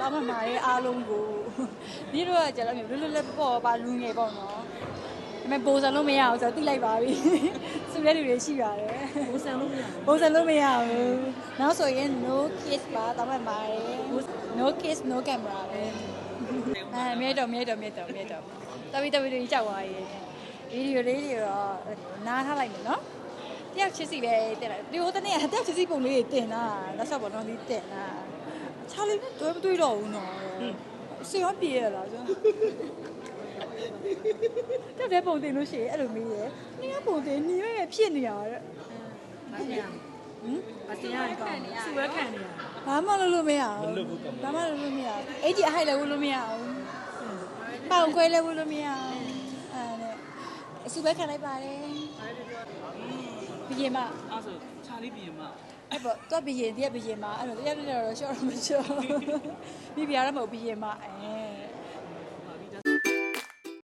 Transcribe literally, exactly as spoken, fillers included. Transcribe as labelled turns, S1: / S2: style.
S1: တောင်းမှမှာရဲ့အားလုံးကိုဒီတော့ကကျတော့လွတ်လွတ်လပ်ပေါ့ပါလူငယ်ပေါ့နော်ဒါပေမဲ့ပိုးစံလို့မရအောင်ဆိုတော့သိလိုက်ပါပြီသူရဲ့လူတွေရှိပါတယ်ပိုးစံလို့မရဘူးပိုးစံလို့မရဘူးနောက်ဆိုရင် no kiss ပါတောင်းမှမှာရဲ့ no kiss no camera ပဲအဲမြေတော့မြေတော့မြေတော့မြေတော့တပီတပီတွေကြောက်သွားရေးဗီဒီယိုလေးတွေတော့နားထားလိုက်မယ်နော်တယောက်ချစ်စီပဲတင်လိုက်ဒီဟိုတနေ့ကတယောက်ချစ်စီပုံလေးတင်တာလက်ဆော့ပေါ်တော့ဒီတင်တာချာလီနဲ့တွေ့မတွေ့တော့ဘူးနော်စေရောပြေရလားဆိုတော့တဲ့ပုံတင်လို့ရှိရင်အဲ့လိုမေးရယ်နင်ကပုံတင်နေရဖြစ်နေရတဲ့မဆရာဟမ်မဆရာကောစူဝဲခံနေရဘာမှလုပ်လို့မရဘူးဘာမှလုပ်လို့မရဘူးအဲ့ဒီအဟိုက်လည်းဝလို့မရဘူးပေါင်ခွဲလည်းဝလို့မရဘူးအဲ့ဒါအစူပဲခံလိုက်ပါတယ်ဘီရင်မ
S2: အဲ့ဆိုခြာလေးဘီရင်မ
S1: အဲ့ပေါ့တော့ဘီရင်တည်းဘီရင်မအဲ့တော့တည်းတည်းတော့ရှော့တော့မရှော့မိပြရတော့မဟုတ်ဘီရင်မအဲ